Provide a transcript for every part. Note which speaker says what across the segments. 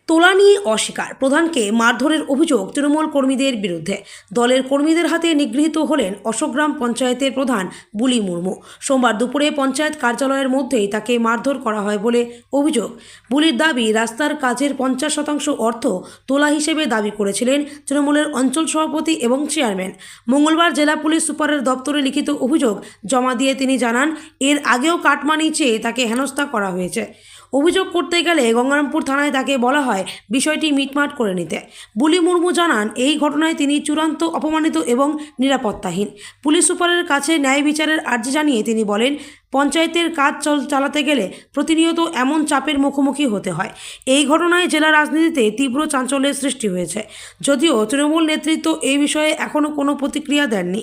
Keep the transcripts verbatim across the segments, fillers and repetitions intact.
Speaker 1: তোলা নিয়ে অস্বীকার, প্রধানকে মারধরের অভিযোগ তৃণমূল কর্মীদের বিরুদ্ধে। দলের কর্মীদের হাতে নিগৃহীত হলেন অশোকগ্রাম পঞ্চায়েতের প্রধান বুলি মুর্মু। সোমবার দুপুরে পঞ্চায়েত কার্যালয়ের মধ্যেই তাকে মারধর করা হয় বলে অভিযোগ। বুলির দাবি, রাস্তার কাজের পঞ্চাশ শতাংশ অর্থ তোলা হিসেবে দাবি করেছিলেন তৃণমূলের অঞ্চল সভাপতি এবং চেয়ারম্যান। মঙ্গলবার জেলা পুলিশ সুপারের দপ্তরে লিখিত অভিযোগ জমা দিয়ে তিনি জানান, এর আগেও কাটমানি চেয়ে তাকে হেনস্থা করা হয়েছে। অভিযোগ করতে গেলে গঙ্গারামপুর থানায় তাকে বলা হয় বিষয়টি মিটমাট করে নিতে। বুলি মুর্মু জানান, এই ঘটনায় তিনি চূড়ান্ত অপমানিত এবং নিরাপত্তাহীন। পুলিশ সুপারের কাছে ন্যায় বিচারের আর্জি জানিয়ে তিনি বলেন, পঞ্চায়েতের কাজ চল চালাতে গেলে প্রতিনিয়ত এমন চাপের মুখোমুখি হতে হয়। এই ঘটনায় জেলা রাজনীতিতে তীব্র চাঞ্চল্যের সৃষ্টি হয়েছে। যদিও তৃণমূল নেতৃত্ব এই বিষয়ে এখনও কোনো প্রতিক্রিয়া দেননি।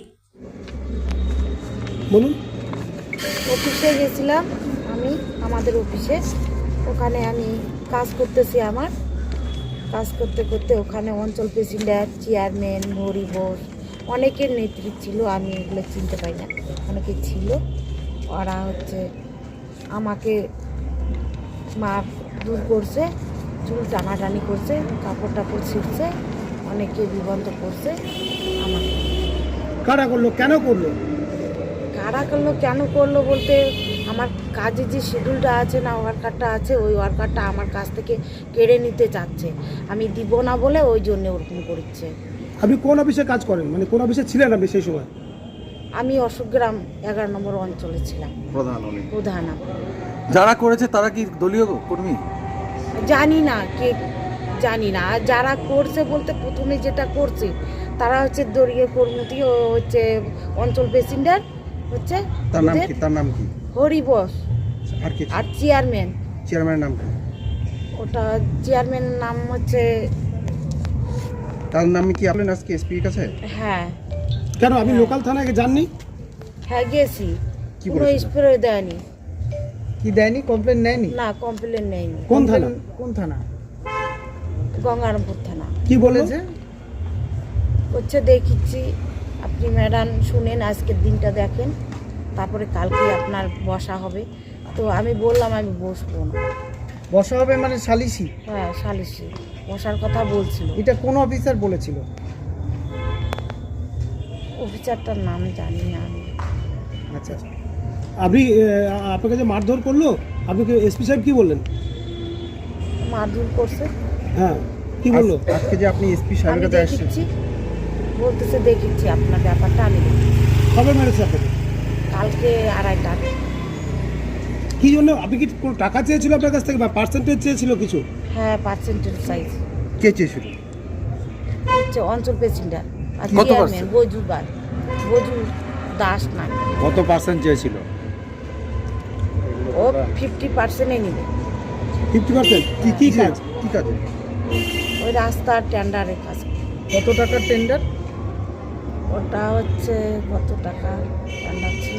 Speaker 2: বলুন।
Speaker 3: অফিসে গেছিলাম আমি, আমাদের অফিসে। ওখানে আমি কাজ করতেছি, আমার কাজ করতে করতে ওখানে অঞ্চল প্রেসিডেন্ট, চেয়ারম্যান, হরি বোস, অনেকের নেতৃত্ব ছিল। আমি এগুলো চিনতে পাই না, অনেকে ছিল। ওরা হচ্ছে আমাকে মার দূর করছে, চুল টানাটানি করছে, কাপড় টাপড় ছিঁড়ছে, অনেকে বিবন্ধ করছে আমাকে।
Speaker 2: কারা করলো, কেন করলো?
Speaker 3: কারা করলো কেন করলো বলতে, আমার কাজের যে শিডিউলটা আছে না, ওয়ার্কারটা আছে, ওই ওয়ার্কারটা আমার কাছ থেকে কেড়ে নিতে চাচ্ছে। আমি দিব না বলে ওই জন্য ওরকম করছে।
Speaker 2: আপনি কোন অফিসে কাজ করেন, মানে কোন অফিসে ছিলেন আপনি সেই সময়?
Speaker 3: আমি অশোকগ্রাম এগারো নম্বর অঞ্চলে ছিলাম, প্রধান প্রধান।
Speaker 4: যারা করেছে তারা কি দলীয় কর্মী?
Speaker 3: জানি না কে, জানি না। আর যারা করছে বলতে প্রথমে যেটা করছে তারা হচ্ছে দলীয় কর্মী, ও হচ্ছে অঞ্চল প্রেসিডেন্ট হচ্ছে,
Speaker 4: তার নাম কি? তার নাম কি?
Speaker 3: হরি বোস।
Speaker 4: আর কি?
Speaker 3: আর চেয়ারম্যান,
Speaker 4: চেয়ারম্যানের নাম কি?
Speaker 3: ওটা চেয়ারম্যানের নাম হচ্ছে,
Speaker 4: তার নাম কি আপনার আজকে এসপির কাছে?
Speaker 3: হ্যাঁ।
Speaker 2: কেন আপনি লোকাল থানায় যাননি?
Speaker 3: হ্যাঁ গেছি,
Speaker 4: কি
Speaker 3: কোনো
Speaker 4: বলেছিল?
Speaker 3: স্প্রে দেয়নি।
Speaker 5: কি দেয়নি? কমপ্লেন নেয়নি?
Speaker 3: না, কমপ্লেন নেয়নি।
Speaker 2: কোন থানা?
Speaker 5: কোন থানা?
Speaker 3: গঙ্গারামপুর থানা।
Speaker 2: কি বলেছে?
Speaker 3: হচ্ছে দেখিচ্ছি, আপনি ম্যাডাম শুনেন, আজকের দিনটা দেখেন, তারপরে কালকে আপনার বসা হবে। তো আমি বললাম আমি বসবো না।
Speaker 5: বসা হবে মানে সালিসি?
Speaker 3: হ্যাঁ, সালিশি বসার কথা বলছিল।
Speaker 5: এটা কোন অফিসার বলেছিল?
Speaker 3: অফিসারটার নাম জানি না আমি।
Speaker 5: আচ্ছা,
Speaker 2: আপনি আহ, আপনাকে যে মারধর করলো, আপনাকে এসপি সাহেব কি বললেন?
Speaker 3: মারধর করছে।
Speaker 2: হ্যাঁ, কি বললো?
Speaker 4: আজ- আজকে যে আপনি এসপি
Speaker 3: আমি
Speaker 4: সাহেবের কাছে আসছেন,
Speaker 3: দেখিচ্ছি, বলতেছে দেখিচ্ছি আপনার ব্যাপারটা আমি দেখি।
Speaker 2: কবে মেরেছে আপনাকে?
Speaker 3: কালকে আড়াইটা।
Speaker 2: কি জন্য? আপনি কি কোনো টাকা চেয়েছিল আপনার কাছ থেকে, বা পার্সেন্টেজ চেয়েছিল কিছু?
Speaker 3: হ্যাঁ, পার্সেন্টেজ সাইজ
Speaker 4: কে চেয়েছিল?
Speaker 3: হচ্ছে অঞ্চল প্রেসিডেন্ট আর
Speaker 4: কত
Speaker 3: চেয়ারম্যান
Speaker 4: percent?
Speaker 3: বজুবার, বজু দাস না,
Speaker 4: কত পার্সেন্ট চেয়েছিল?
Speaker 3: ও ফিফটি পার্সেন্টে নিবে।
Speaker 2: Fifty percent? কি কি কাজ?
Speaker 4: কি কাজে?
Speaker 3: ওই রাস্তার টেন্ডারের কাজ।
Speaker 5: কত টাকার টেন্ডার?
Speaker 3: ওটা হচ্ছে কত টাকা টেন্ডার ছিল।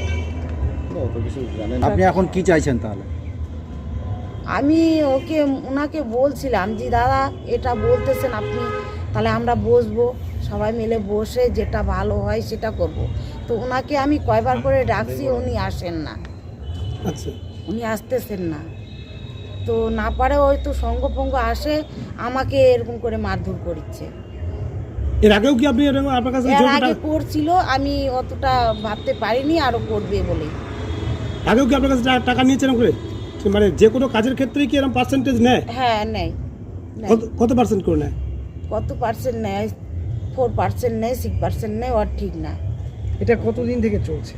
Speaker 4: আপনি এখন কি চাইছেন তাহলে?
Speaker 3: আমি ওকে ওনাকে বলছিলাম যে দাদা এটা বলতেছেন আপনি, তাহলে আমরা বসবো, সবাই মিলে বসে যেটা ভালো হয় সেটা করব। তো ওনাকে আমি কয়বার করে ডাকছি, উনি আসেন না,
Speaker 2: আচ্ছা,
Speaker 3: উনি আসতেছেন না। তো না পারে হয়তো সঙ্গপঙ্গ আসে, আমাকে এরকম করে মারধর করছে।
Speaker 2: এর আগেও কি আপনি এরকম আপনার কাছে
Speaker 3: এর
Speaker 2: জোর
Speaker 3: আগে
Speaker 2: টাকা-
Speaker 3: করছিল, আমি অতটা ভাবতে পারিনি আরো করবে বলে।
Speaker 2: আগেও কি আপনার কাছে টা- টাকা নিয়েছেন করে? মানে যে কোনো কাজের ক্ষেত্রেই কি এরকম পার্সেন্টেজ নেয়?
Speaker 3: হ্যাঁ নেই, নেই।
Speaker 2: কত কত পার্সেন্ট করে নেয়?
Speaker 3: কত পার্সেন্ট নেয়? ফোর পার্সেন্ট নেয়, সিক্স পার্সেন্ট নেয়, ওর ঠিক না।
Speaker 5: এটা কতদিন থেকে চলছে?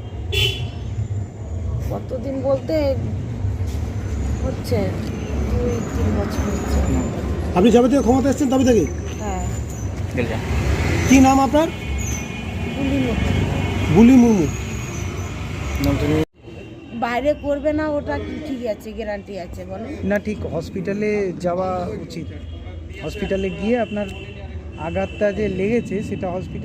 Speaker 3: কতদিন বলতে হচ্ছে দুই তিন বছর হচ্ছে।
Speaker 2: আপনি যবে থেকে ক্ষমতা এসেছেন তবে থেকে?
Speaker 3: হ্যাঁ,
Speaker 2: কি নাম আপনার?
Speaker 3: গুলি মতো।
Speaker 2: বুলি মুর্মু।
Speaker 3: বাইরে করবে না, ওটা কি ঠিক আছে, গ্যারান্টি আছে বলেন?
Speaker 5: না, ঠিক হসপিটালে যাওয়া উচিত। হসপিটালে গিয়ে আপনার আঘাতটা যে লেগেছে সেটা হসপিটাল